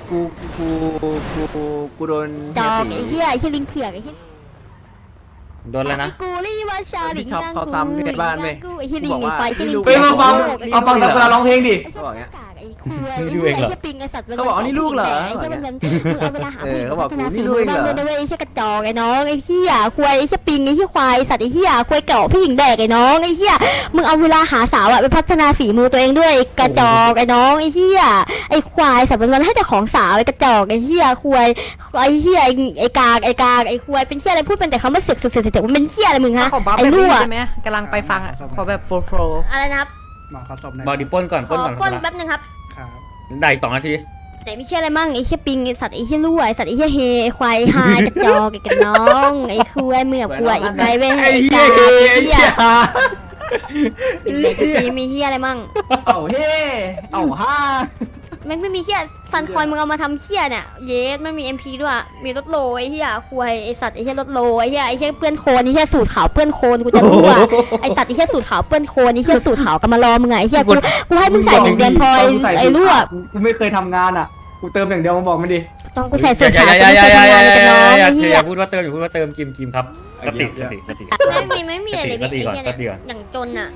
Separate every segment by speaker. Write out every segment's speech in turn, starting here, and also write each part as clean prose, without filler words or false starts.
Speaker 1: กูโดน
Speaker 2: จอกไอ้เหี้ยไอ้เหี้ยลิงเผือกไอ้เหี้ย
Speaker 3: โดนแล้วนะ
Speaker 2: กูรีว่าชาลิง
Speaker 1: ชอบเขาซ้ำในบ้านไหม
Speaker 2: ไอ้เหี้ยลิงไอ้ไฟไอ้เหี้ยลิง
Speaker 4: ไปมาฟังเอาฟังสักเวลาร้องเพลงดิ
Speaker 1: เขาบอกเงี้ย
Speaker 2: ไอ้คุยไอ้เหี้ยปิงไอ้สัตว์
Speaker 1: เขาบอกนี่ลูกเหรอ
Speaker 2: ไอ้เหี้ยมันมึงเอาเวลาหา
Speaker 1: เขาบอกกูนี่ลูกเหรอ
Speaker 2: ไอ้เหี้ยกระจอกไอ้น้องไอ้เหี้ยควายไอ้เหี้ยปิงไอ้เหี้ยควายสัตว์ไอ้เหี้ยควายเก่าพี่หญิงแดกไอ้น้องไอ้เหี้ยมึงเอาเวลาหาสาวอะไปพัฒนาฝีมือตัวเองด้วยกระจอกไอ้น้องไอ้เหี้ยไอ้ควายสัตว์มันให้แต่ของสาวไอ้กระจอกไอ้เหี้ยควายไอ้เหี้ยไอ้กากไอ้ควายเป็นเหี้ยอะไรพูดเป็นแต่คำว่าเสือกมันเป็นเหี้ยอะไรมึงฮะ ไอ้รั่ว
Speaker 5: ใช่ไหมกำลังไปฟังอ่ะขอแบบโฟล์
Speaker 2: อะไรนะครับ
Speaker 4: หมอขอศพหน่อย
Speaker 3: บอกดิปล้นก่อน
Speaker 2: ข
Speaker 3: ปล้
Speaker 2: อน
Speaker 3: ก่อน
Speaker 2: ปล้น
Speaker 3: ครับ
Speaker 2: แป๊บนึงครับ
Speaker 4: ครับ
Speaker 3: ได้อีก2 นาที
Speaker 2: แต่ไม่เชื่ออะไรมั่งไอ้เชี่ยปิงไอ้สัตว์ไอ้เชี่ยรั่วไอ้สัตว์ไอ้เชี่ยเฮไอ้ควายหายกระจอกไอ้กระน้องไอ้คุยเมื่อควายอีกไงเว้ยไอ้กาไอ้เหี้ยไอ้เด็กจะมีเหี้ยอะไรมั่ง
Speaker 4: เอาเฮ้เอาฮ่า
Speaker 2: ไม่มีเหี้ยฟันคอยมึงเอามาทำเหี้ยเนี่ยเยสไม่มี MP ด้วยมีรถโลไอ้เหี้ยควายไอ้สัตว์ไอ้เหี้ยรถโลไอ้เหี้ยเปื้อนโคลนไอ้เหี้ยสูตรขาวเปื้อนโคลนกูจะรั่วไอ้สัตว์ไอ้เหี้ยสูตรขาวเปื้อนโคลนไอ้เหี้ยสูตรขาวกำมารอมึงไงไอ้เหี้ยกูให้มึงใส่1 เดือนพอไอ้รั่ว
Speaker 4: กูไม่เคยทำงานอ่ะกูเติมอย่างเดียวมึงบอกมันดิ
Speaker 2: ต้องกูใส่สูตรขาวกูไม่เคยทำงานเลยกับน้องไอ้เหี้ย
Speaker 3: อย่าพูดว่าเติมอย่าพูดว่าเติมจิมครับกติอะไรเลย
Speaker 2: ไม่มีอะไรเลย
Speaker 3: กติก่อน
Speaker 2: ไอ้
Speaker 3: กติ
Speaker 2: เหี้ย
Speaker 3: ก่อน
Speaker 2: อย่างจนอ่ะ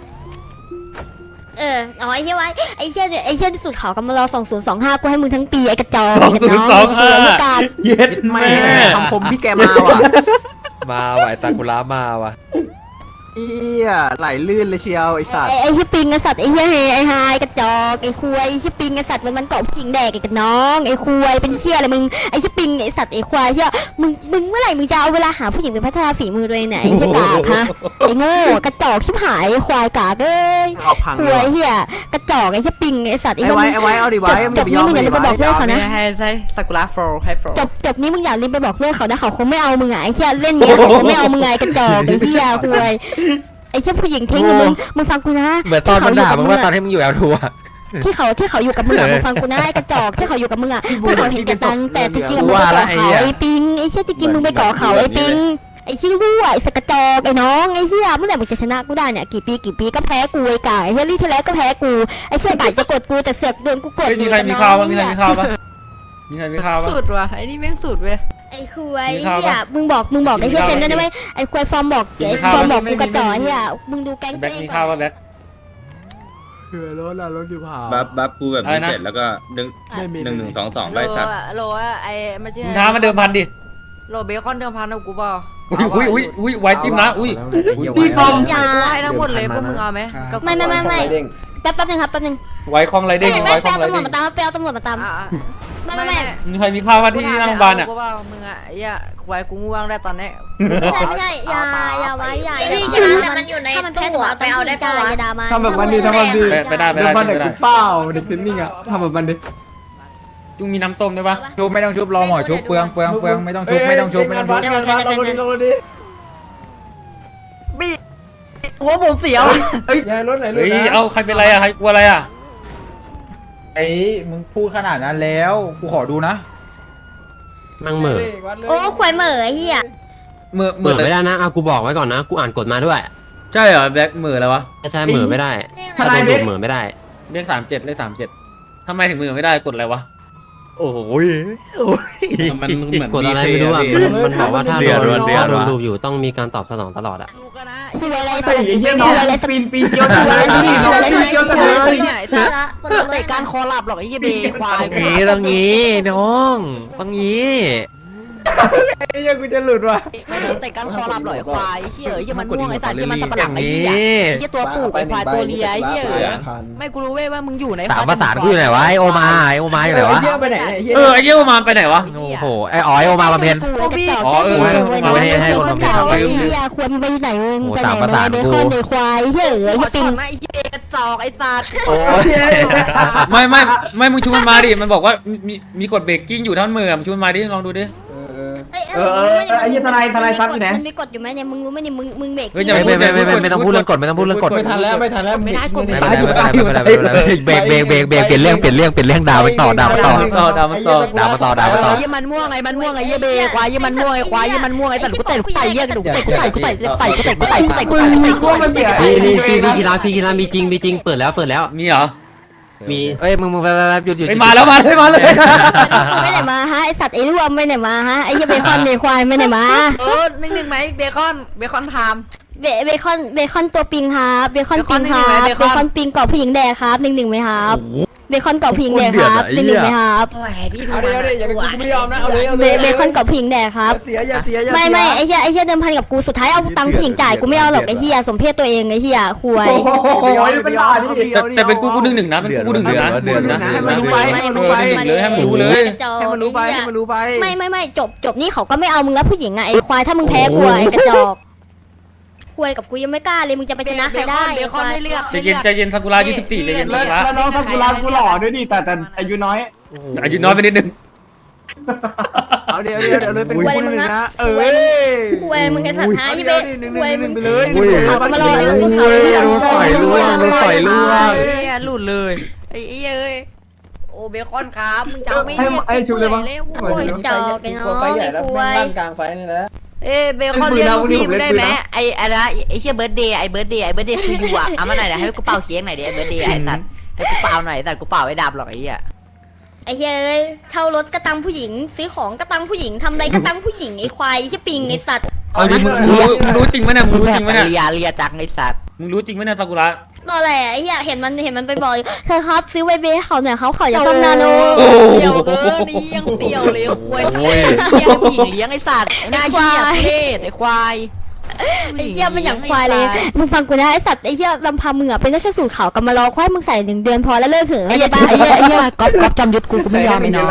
Speaker 2: อ๋อไอ้เหี้ยไว้ไอ้เหี้ยที่สุดเขากำมารอ2025กูให้มึงทั้งปีไอ้กระจอกไอ้กระน้องไอ้ตัวลูกกา
Speaker 3: เย็ดแม่
Speaker 1: คำคมพี่แกมาว่ะ
Speaker 6: มาว่ะไอ้ซากุระมาว่ะ
Speaker 1: เอี้ยไหลลื่นเลยเชียวไอสัตว์
Speaker 2: ไอ้เหี้ยปิงไอ้สัตว์ไอ้เหี้ยเฮไอ้ไฮกระจอกไอ้คุยไอ้เหี้ยปิงไอ้สัตว์มันเกาะผู้หญิงแดกไอ้กระน้องไอ้คุยเป็นเหี้ยอะไรมึงไอ้เหี้ยปิงไอ้สัตว์ไอ้ควายเหี้ยมึงเมื่อไหร่มึงจะเอาเวลาหาผู้หญิงไปพัฒนาฝีมือตัวเองเนี่ยไอ้เหี้ยกากฮะไอ้โง่กระจอกชิบหายไอ้ควายกากเอ้ย
Speaker 1: เอาพัง
Speaker 2: คุ
Speaker 1: เลย
Speaker 2: ยเหี้ยกระจอกไอ้เหี้ยปิงไอ้สัตว์
Speaker 1: ไอ้ไว้เอาดิไว้
Speaker 2: จบนี้มึงอย่าลืมไปบอกเลิกเขา
Speaker 5: ๆ
Speaker 2: นะ
Speaker 5: ให้ซากุระโฟล์ให้โฟล์
Speaker 2: จบนี้มึงอย่าลืมไปบอกเลิกเขานะเขาคงไม่เอามึงไงไอ้เหี้ยเล่นเนี้ยเขาคงไม่เอามึงไงกระจอกไอ้เหี้ยคุยไอ้เหี้ยผู้หญิงทิ้งมึงฟังกูนะ
Speaker 6: เหมือนตอนมันด่ามึงว่าตอนที่มึงอยู่แอลทัวร์
Speaker 2: ที่เขาอยู่กับมึงอะมึงฟังกูนะไอ้กระจอกที่เขาอยู่กับมึงอะพวกเขาเห็นแก่ตังค์แต่จริงๆมึงไปก่อเขาไอ้ปิงไอ้เหี้ยจริงๆมึงไปก่อเขาไอ้ปิงไอ้ชี้รั่วไอ้สกระจอกไอ้น้องไอ้เหี้ยเมื่อไหร่มึงจะชนะกูได้เนี่ยกี่ปีก็แพ้กูไอ้กาไอ้เหี้ยลี่ที่แล้วก็แพ้กูไอ้เหี้ยบ่ายจะกดกูแต่เสือกโดนกูกด
Speaker 3: มีใครมีข่าวปะมีใครมีข่าวปะมีใครมีข่าวปะ
Speaker 5: สุดว่ะไอ้นี่แม่งสุดเว้ย
Speaker 2: ไอ้คุยเหี้ยมึงบอกไอ้เหี้ยเซนได้ไหมไอ้คุยฟอร์มบอกไอ้ฟอร์มบอกกูกระจอกเหี้ยมึงดูแก๊ง
Speaker 3: แบ็คมีข่าวปะแบ็ค
Speaker 1: คือรถอยู่เผา
Speaker 7: บัฟกูแบบนี้
Speaker 3: อะไรนะ
Speaker 7: เสร็จแล้วก็1 1 1 2 2ไล่สัตว์
Speaker 5: โลอะไอ้ไม่ใช่
Speaker 3: มึงท้ามาเดิมพันดิ
Speaker 5: โลเบคอนเดิมพันเอากูเปล่า
Speaker 3: อุ้ยไว้จิ้มนะอุ้ย
Speaker 4: ตีปอม
Speaker 2: ยา
Speaker 5: ให้ทั้งหมดเลยพวกมึงเอาไหม
Speaker 2: ไม่แป๊บนึงครับแป๊บนึง
Speaker 3: ไว้คลองไรเด้ง
Speaker 2: ไม่
Speaker 3: ไว้คล
Speaker 2: แป๊
Speaker 3: อบ งไร
Speaker 2: ตำรว
Speaker 3: เด้
Speaker 2: จ
Speaker 3: ง
Speaker 2: มาตามตำรวจมาตามไม่
Speaker 3: มีใครมีข่าวปะที่หน้าโรงพยาบาลอ่ะ
Speaker 5: กูเปล่ามึงอ่ะไอ้เหี้ยควายกูง่วงได้ตอนนี้
Speaker 2: ไม่ใช่อย่าไว้อย่า
Speaker 8: พี่ชนะแต่มันอยู่ในตู้อะไปเอาได้ปะวะ
Speaker 2: อย่าด่ามัน
Speaker 4: ทำแบบมันดิทำแบบดิ
Speaker 3: ไปได้
Speaker 4: เดี๋ยวมันเด็กกูเปล่าเด็กเทนนิ่งอ่ะทำแบบมันดิ
Speaker 3: จุงมีน้ำต้มด้วยปะ
Speaker 6: ชุบไม่ต้องชุบรอหมอชุบเปลืองไม่ต้องชุบไม่ต้องชุบ
Speaker 5: หัวผมเสียว
Speaker 3: เฮ้ยเอาใครเป็นไรอ่ะใครกลัวอะไรอ่ะ
Speaker 6: ไอ้มึงพูดขนาดนั้นแล้วกูขอดูนะ
Speaker 9: มั่งเหม่อ
Speaker 2: โอ้ควายเหม่อไอ้เหี้ย
Speaker 3: เหมือ
Speaker 9: เหม่อไม่ได้นะเอากูบอกไว้ก่อนนะกูอ่านกฎมาด้วย
Speaker 3: ใช่เหรอแบ็คเหมืออะไรวะ
Speaker 9: ใช่เหม่อไม่ได้ถ้าโดนดูดเหม่อไม่ได้
Speaker 3: เลข37ทำไมถึงมือไม่ได้กดอะไรวะ
Speaker 6: โอ้ย
Speaker 7: มันเหมือน
Speaker 9: กฎอะไรไม่รู้อ่ะมันบอกว่าถ้าโดนดูอยู่ต้องมีการตอบสนองตลอดอ่ะ
Speaker 2: คุยอะไร
Speaker 4: ไอ้เหี้ยน้องปีนเกี่ยวทะเลนี่น้องปีนเกี่ยวทะเล
Speaker 5: เตะการคอหลับหรอกไอ้เหี้ยเบควาย
Speaker 6: ตรงนี้น้องตรงนี้
Speaker 4: ไอ้เหี้ยกูจะหลุดว่ะ
Speaker 5: ไม่ต้องเตะการคอหลับหรอกไอ้ควายไอ้เหี้ยไอ้มันม่วงไอ้สัตว์ที่มันสับปะหลังไอ้เหี้ยไอ้เหี้ยตัวปูไอ้ควายตัวเลียไอ้เหี้ยไม่กูรู้เว้ยว่ามึงอยู่ใน
Speaker 6: สามประสานกูอยู่ไหนวะไอโอมาอยู่ไหนวะ
Speaker 4: เหี้ยไปไหนเหี้ย
Speaker 3: ไอ้เยี่ยมมาไปไหนวะ
Speaker 6: โอ้โหไออ๋อยโอมาบำเพ็ญ
Speaker 2: ให้คนเก่าไอ้เหี้ยควรไปไหนมึงไปไหนมาเบคอนเดควายเหี้ยไอ้
Speaker 5: หัว
Speaker 2: ปิง
Speaker 5: ไอ้เหี้ยกระจอกไอ้สัตว์
Speaker 3: ไม่มึงชูมันมาดิมันบอกว่ามีกดเบรกกิ้งอยู่ท่อนมือมึงชูมันมาดิลองดูดิ
Speaker 4: ไอ้เหี้ยทนายซักอยู่ไหน
Speaker 2: มันมีกฎอยู่ไหมเนี่ยมึงรู้ไหมเนี่ยมึงเบรก
Speaker 6: ไม่ต้องพูดเรื่องกฎไม่ต้องพูดเรื่องกฎ
Speaker 4: ไม่ทันแล้ว
Speaker 5: ไม่ได้กด
Speaker 6: ไม่เบรกเปลี่ยนเรื่องด่าไปต่อ
Speaker 3: ดาวมาต่อ
Speaker 5: ยี่มันม่วงไอ้มันม่วงไอ้ยี่เบควายยี่มันม่วงไอ้ควายยี่มันม่วงไอ้แต่กูเตะกูไต่เยี่ยกระดูกกูไต่
Speaker 6: พี่กีฬามีจริงเปิดแล้ว
Speaker 3: มีเหรอ
Speaker 9: มี
Speaker 1: เอ้ยมึงไปหยุด
Speaker 3: ไปมาแล้วมาเลยมาเลย
Speaker 2: ไปไหนมาฮะไอสัตว์ไอรวมไปไหนมาฮะไอเหี้ยเบคอนเบควายไปไหนมา
Speaker 5: 1-1ไหมเบคอนไทม์
Speaker 2: เบคอนตัวปิงครับเบคอนปิงครับ
Speaker 5: เบ
Speaker 2: เบ
Speaker 5: คอน
Speaker 2: คอนปิงเกาะผู้หญิงแดกครับ1-1ไหมครับเบคอนเกาะผู้หญิงแดกครับ1-1ไหมครับ
Speaker 5: โอ้ยพี่ดู
Speaker 1: เอาเลยอย่าไปกูไม่ยอมนะเอาเลย
Speaker 2: เบคอนเกาะผู้หญิงแดกครับ
Speaker 1: อย่าเสีย
Speaker 2: ไม่ไอเหี้ยเดิมพันกับกูสุดท้ายเอาตังค์ผู้หญิงจ่ายกูไม่เอาหรอกไอเหี้ยสมเพศตัวเองไอเหี้ยควย
Speaker 6: โอ้ยเป็นลาดิ
Speaker 3: แต่เป็นกูหนึ่งนะเป็นกูหนึ่งนะ
Speaker 1: ให้มันรู้ไปให้มันรู้ไป
Speaker 3: ให้มันรู้เลย
Speaker 1: ให้มันรู้ไปให้มันรู้ไป
Speaker 2: ไม่จบนี่เขาก็ไม่เอามึงแล้วผู้หญิงอ่ะไอควายถ้ามึงแพ้กูไอกระจอกควยกับกูยังไม่กล้าเลยมึงจะไปชนะใครได้
Speaker 5: เบคอนไม่เลือก
Speaker 3: ใจเย็นซากุระ24ใจเย็นซากุระ
Speaker 6: แล้วน้องซากุระกูหล่อด้วยดิแต่อายุน้อย
Speaker 3: อายุน้อยไปนิดนึง
Speaker 1: เอาเดี๋ยวเลยเป็นคู่หนึ่งนะ
Speaker 2: ควยมึงกันสัตว์ท้ายยี่เบ้ควยมึง
Speaker 1: ไปเลย
Speaker 2: เขามารอ
Speaker 5: หลุดเลยไอ้เอ้ยโอ้เบคอนครับมึงจะไม่เรียก
Speaker 6: ไอ้ชูเลยมั้ง
Speaker 2: โอ้ยจอกไอ้น้องไอ้ควย
Speaker 6: กลางไฟนี่นะ
Speaker 5: เบคอนเรียกลูกพี่มึงได้ไหมไอ้อะไรไอ้เชี่ยเบิร์ดเดย์คืออยู่อ่ะเอามาหน่อยนะให้กูเป่าเค้กหน่อยดิไอ้เบิร์ดเดย์ไอ้สัตว์ให้กูเป่าหน่อยสัตว์กูเป่าไอ้ดาบหรอกไอ้เหี้ย
Speaker 2: ไอ้เฮ้ยเช่ารถกระตังผู้หญิงซื้อของกระตังผู้หญิงทำไรกระตังผู้หญิงไอ้ควายไอ้ปิงไอ้สัตว์
Speaker 3: เอาดิมึงรู้จริงไหมเนี่ยมึงรู้จริงไหมเนี่ย
Speaker 5: เลียจังไอ้สัตว์
Speaker 3: มึงรู้จริงไหมเนี่ยซากุระ
Speaker 2: รอแหละไอ้เหี้ยเห็นมันไปบอกเธอครับซื้อไวเบให้เขาหน่อยเขาขออย่าซ่อมนาโน
Speaker 5: เสี่ยวนี่ยังเสี่ยวเลยควายเลี้ยงผู้หญิงเลี้ยงไอ้สัตว์ไอ้หน้าเหี้ยเท่ไอ้ควาย
Speaker 2: ไอ้เหี้ยมันอย่างควายเลยมึงฟังกูนะไอ้สัตว์ไอ้เหี้ยลำพังมึงอ่ะเป็นแค่สูตรขาวกำมารอควายมึงใส่1 เดือนพอแล้วเลิกเถอะไอ้เหี้ยบ้าไอ้เหี้ยก๊อปจำยุทธกูไม่ยอมไอ้น้อง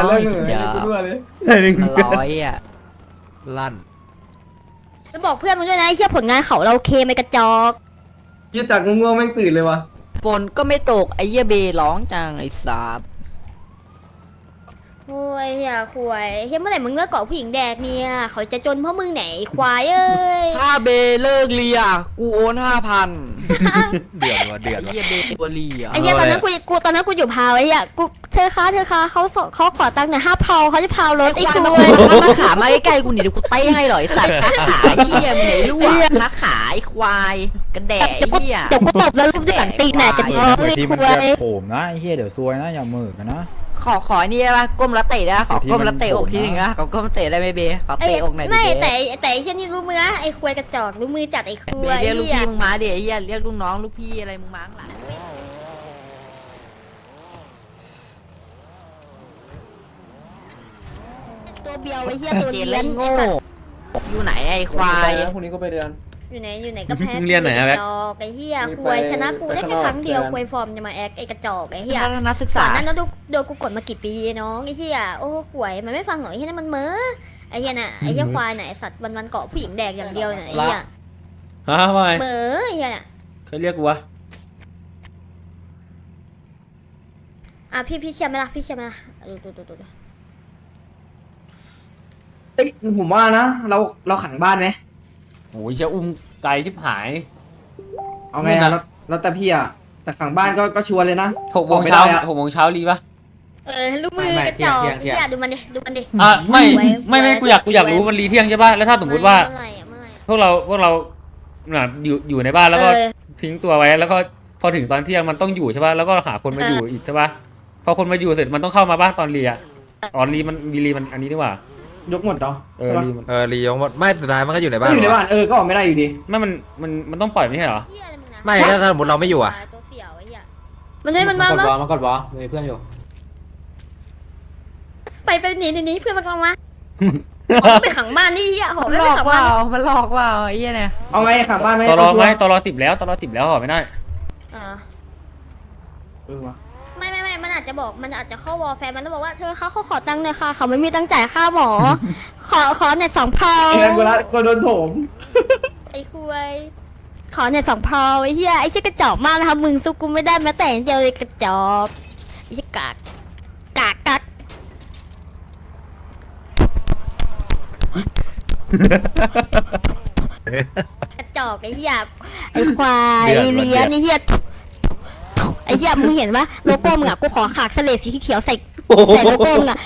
Speaker 2: มันร้อยอ่ะ
Speaker 1: ลั่น
Speaker 2: แล้วบอกเพื่อนมึงด้วยนะไอ้เหี้ยผลงานเขาเราเคไม่กระจอก
Speaker 6: ยี่จากง่วงแม่งตื่นเลยวะ
Speaker 5: ฝนก็ไม่ตกไอ้เหี้ยเบร้องจังไอ้สัตว์
Speaker 2: โอ้ยเหี้ยควายเหี้ยเมื่อไหร่มึงเลิกเกาะผู้หญิงแดกเนี่ยเขาจะจนเพราะมึงไหนควายเอ้ย
Speaker 5: ถ้าเบเลิกเลียกูโอน5,000
Speaker 1: เดือดว่ะเดือด
Speaker 5: ไอ้เหี้ยเบตัวเลีย
Speaker 2: ไอ้เหี้ยตอนนั้นกูอยู่พาวไอ้เหี้ยกูเธอคะเขาขอตังค์หน่อย5 พาวเขาจะพาวรถไอ้ควาย
Speaker 5: มาขามาใกล้ๆกูนี่เดี๋ยวกูเต้ให้หน่อยสัตว์ขาไอ้เหี้ยมึงไหนรั่วขาไอ้ควายกระแดะไอ้เหี้ย
Speaker 2: เดี๋ยวกูตบแล้วรูปที่หลังตีนไหนจะบอกเลย
Speaker 6: ที่มัน
Speaker 2: ควา
Speaker 6: จะ
Speaker 2: ย
Speaker 6: โผล่นะไอ้เหี้ยเดี๋ยวซวยนะอย่ามือกันนะ
Speaker 5: ขอนี่ได้ปะก้มแล้วเตะได้ขอก้มแล้วเตะอกทีหนึ่งนะขอก้มเตะได้ไหมเบขอเตะอกหน่อยดิ
Speaker 2: ไม่
Speaker 5: เบ
Speaker 2: แต่ไอ้เช่นนี้รู้มือไอ้ควายกระจอกรู้มือจัดไอ้ค
Speaker 5: เบ
Speaker 2: วาย
Speaker 5: เรียกลูก
Speaker 2: เหี้ย
Speaker 5: พี่มึงมาเดี๋ยวไอ้เหี้ยเรียกลูกน้องลูกพี่อะไรมึงมาข้างหลัง
Speaker 2: ตัวเบียวไอ้เหี้ยตัว
Speaker 5: เจ
Speaker 2: เลี้
Speaker 5: นเล่
Speaker 2: ยน
Speaker 5: น
Speaker 2: ไอ้
Speaker 5: โง่
Speaker 2: สัตว์
Speaker 5: อยู่ไหนไอ้ควาย
Speaker 6: พรุ่งนี้ก็ไปเรียน
Speaker 2: อยู่ไหนก็แพ้
Speaker 3: มึงเรียนไหนอะแบ็ค
Speaker 2: กระจอกไอ้เหี้ยควายชนะกูได้แค่ครั้งเดียวควายฟอร์มจะมาแอคไอ้กระจอกไอ้เหี้ย
Speaker 5: นักศึก
Speaker 2: สอ
Speaker 5: ษา
Speaker 2: นนั้นนะโดนกูกดมากี่ปีน้องไอ้เหี้ยโอ้ควายมันไม่ฟังหรอกไอ้เหี้ยนั่นมันเม้อไอ้เหี้ยน่ะไอ้เหี้ยควายน่ะไอ้สัตว์วันเกาะผู้หญิงแดกอย่างเดียวน่ะไอ้เหี้ย
Speaker 3: ฮะว่าไง
Speaker 2: เม้อไอ้เหี้ยน่ะ
Speaker 3: เคยเรียกกูวะ
Speaker 2: อ่ะพี่เชียร์ไหมล่ะพี่เชียร์ไหมล่ะดู
Speaker 4: เอ้ยผมว่านะเราขังบ้านไหม
Speaker 3: โอ้ยเชี่ยอุ้มไกลชิบหาย
Speaker 4: เอาไงอะแล้วแต่พี่อะแต่ขังบ้านก็ชวนเลยนะ
Speaker 3: 6 โมงเช้า6 โมงเช้ารีปะ
Speaker 2: ลูกมือกระจอกไอ้เหี้ยดูมันดิ
Speaker 3: อ่ะไม่กูอยากรู้มันรีเที่ยงใช่ป่ะแล้วถ้าสมมติว่า
Speaker 2: เมื่อไหร่
Speaker 3: พวกเราอยู่ในบ้านแล้วก็ทิ้งตัวไว้แล้วก็พอถึงตอนเที่ยงมันต้องอยู่ใช่ป่ะแล้วก็หาคนมาอยู่อีกใช่ป่ะพอคนมาอยู่เสร็จมันต้องเข้ามาบ้านตอนรีอ่ะรีมันอันนี้ดีกว่าย
Speaker 4: กหมดเหรอ
Speaker 3: รีมัน
Speaker 1: รียงหมดไม่สุดท้ายมันก็อยู่ในบ้าน
Speaker 4: อยู่ในบ้านก็ออกไม่ได้อยู่ดี
Speaker 3: ไม่มันต้องปล่อยไม่ใช่เหรอ
Speaker 2: เหี้ยอะไรมึงนะ
Speaker 1: ไม่ถ้าสมมติเราไม่อยู่อ่ะ
Speaker 2: ตัวเสี่ยวไอ้เหี้ยมันมาก
Speaker 6: ดวอมีเพื่อนอยู่
Speaker 2: ไปหนีเพื่อนมันกำลังมาไปขังบ้านนี่เหี้ยโห
Speaker 5: มัน
Speaker 2: ไม่
Speaker 5: หล
Speaker 2: ไป
Speaker 5: อก
Speaker 2: ขัง
Speaker 5: ว่า
Speaker 2: บ้าน
Speaker 5: มันหลอกว่าไอ้เหี้ยเนี่ย
Speaker 4: เอาไงขังบ้านไหม
Speaker 3: ตลอติดแล้วห่อไม่ได้
Speaker 4: วะ
Speaker 2: ไม่มันอาจจะบอกมันอาจจะเข้าวอลแฟนมันแล้วบอกว่าเธอเขาขอตังค์หน่อยค่ะเขาไม่มีตังค์จ่ายค่าหมอขอเน็ต2 พาว
Speaker 4: ไอ้นั่นกูโดนโถม
Speaker 2: ไอ้คุยขอเน็ต2 พาวไอ้เหี้ยไอ้เชี่ยกระจอกมากนะคะมึงสู้กูไม่ได้แม้แต่เดียวเลยกระจอกไอ้เชี่ยกากกระจอกไอ้เหี้ยไอ้ควายเลี้ยนไอ้เหี้ยไอ้เหี้ยมึงเห็นปะโลโก้มึงอ่ะกูขอขากเสลดสีเขียวใส่โลโก้มึงอ่ะ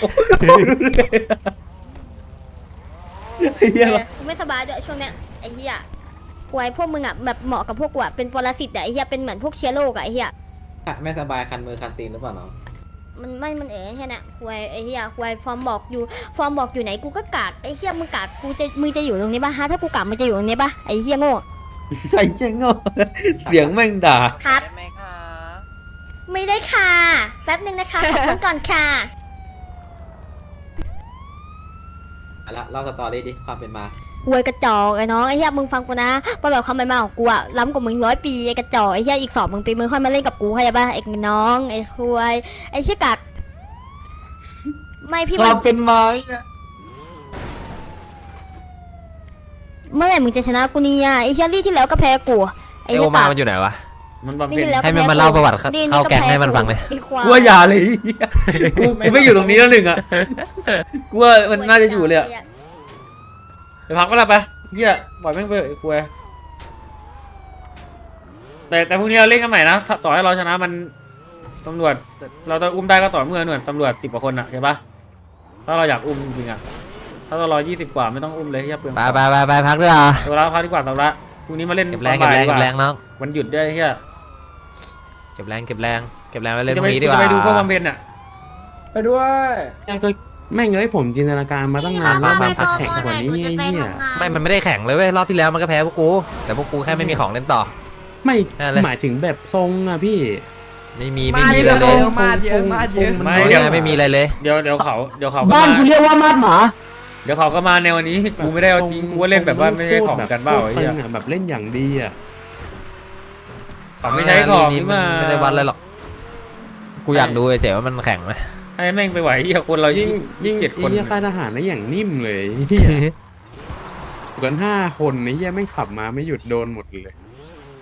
Speaker 2: กูไม่สบายด้วยช่วงเนี้ยไอ้เหี้ยควายพวกมึงอ่ะแบบเหมาะกับพวกกูอ่ะเป็นปรสิตอ่ะไอ้เหี้ยเป็นเหมือนพวกเชื้อโรคอ่ะไอ้เหี้ย
Speaker 9: ไม่สบายคันมือคันตีนหรือเปล่าน้อง
Speaker 2: มันแค่น่ะควายไอ้เหี้ยควายฟอร์มบอกอยู่ไหนกูก็กากไอ้เหี้ยมึงกากมึงจะอยู่ตรงนี้ปะฮะถ้ากูกากมึงจะอยู่ตรงนี้ปะไอ้เหี้ยโง่
Speaker 1: ไอ้เจ๊งอ่ะเสียงแม่งด่า
Speaker 2: ครับไม่ได้ค่ะแป๊บนึงนะคะขอบคุณก่อนค่ะ
Speaker 9: ละเล่าสตอรี่ดิความเป็นมา
Speaker 2: ควยกระจอกไอ้น้องไอ้เหี้ยมึงฟังกูนะว่าแบบความเป็นมาของกูอะล้ำกว่ามึง100 ปีไอ้กระจอกไอ้เหี้ยอีก2 ปีมึงค่อยมาเล่นกับกูเข้าใจปะไอ้น้องไอ้ควยไอ้เหี้ยกากไม่พี่
Speaker 1: ความเป็นมา
Speaker 2: เมื่อไหร่มึงจะชนะกูเนี่ยไอ้เหี้ยลี่ที่แล้วก็แพ้กูไอ้
Speaker 9: ไอ
Speaker 2: เหี้
Speaker 9: โอย มามันอยู่ไหนวะ
Speaker 3: มันบำ
Speaker 2: ลี่
Speaker 3: เพ็ญ
Speaker 2: ที่แล้วก็
Speaker 9: ให้มัน
Speaker 2: แพ้
Speaker 9: มาเล่าประวัติเข้า
Speaker 2: ลี่
Speaker 9: แก๊งให้มันฟังเลย
Speaker 2: ไอ้ควาย
Speaker 3: กูว่าอย่าเลยกูไม่อยู่ตรงนี้แล้วหนึ่งอ่ะกูว่ามันน่าจะอยู่เลยอ่ะไปพักก็แล้วไปเหี้ยปล่อยแม่งไปไอ้ควยแต่พรุ่งนี้เราเล่นกันใหม่นะต่อให้เราชนะมันตำรวจเราจะอุ้มได้ก็ต่อเมื่อหน่วยตำรวจ10 กว่าคนอ่ะเห็นปะถ้าเราอยากอุ้มจริงๆอ่ะถ้าเรารอ20 กว่าไม่ต้องอุ้มเลยเหี้ยเปลือง
Speaker 9: ไปพักด้วยอ่ะ
Speaker 3: ตัวละพักดีกว่าตัวละพรุ่งนี้มาเล่น
Speaker 9: เก็บแรงน้อง
Speaker 3: วันหยุดด้วยเหี้ย
Speaker 9: เก็บแรงไว้เล่นพ
Speaker 3: จะ
Speaker 9: รุ่
Speaker 3: ไป
Speaker 9: งนี้ดีกว่า
Speaker 3: ไปดูพวกบำเพ็ญอ่ะ
Speaker 6: ไปด้วย
Speaker 7: ก็แม่งเอ้ยผมจินตนาการมาตั้งนานว่ามันพักแข่งกว่านี้ไอ้เนี่ย
Speaker 9: มันไม่ได้แข่งเลยเว้ยรอบที่แล้วมันก็แพ้พวกกูแต่พวกกูแค่ไม่มีของเล่นต่อ
Speaker 7: ไม่
Speaker 9: อะไร
Speaker 7: หมายถึงแบบทรงอะพี่
Speaker 9: ไม่มี
Speaker 6: มา
Speaker 9: เลย
Speaker 6: เยอะมาเยอะมาเยอะ
Speaker 9: ไม่มีอะไรเลย
Speaker 3: เดี๋ยวเขาก็
Speaker 1: บ้าน
Speaker 3: มา
Speaker 1: กูเรียกว่ามาดหมา
Speaker 3: เดี๋ยวเขาก็มาในวันนี้กูไม่ได้เอาจริงกูว่าเล่นแบบว่าไม่ใช่ของกันเปล่าไอ้เหี้ย
Speaker 7: แบบเล่นอย่างดีอะ
Speaker 3: เขาไม่ใช้ของ
Speaker 9: นี่
Speaker 3: นี่
Speaker 9: มัน
Speaker 3: มา
Speaker 9: ไม่ได้วัดเลยหรอกกูอยากดูเฉยๆว่ามันแข่งไหม
Speaker 3: ให้แม่งไปไหวเหี้ยคนเรายิ่ง7 คน
Speaker 7: ไอ้เหี้ยค่ายทหารนะอย่างนิ่มเลยเหี้ยกัน5 คนไอ้เหี้ยแม่งขับมาไม่หยุดโดนหมดเลย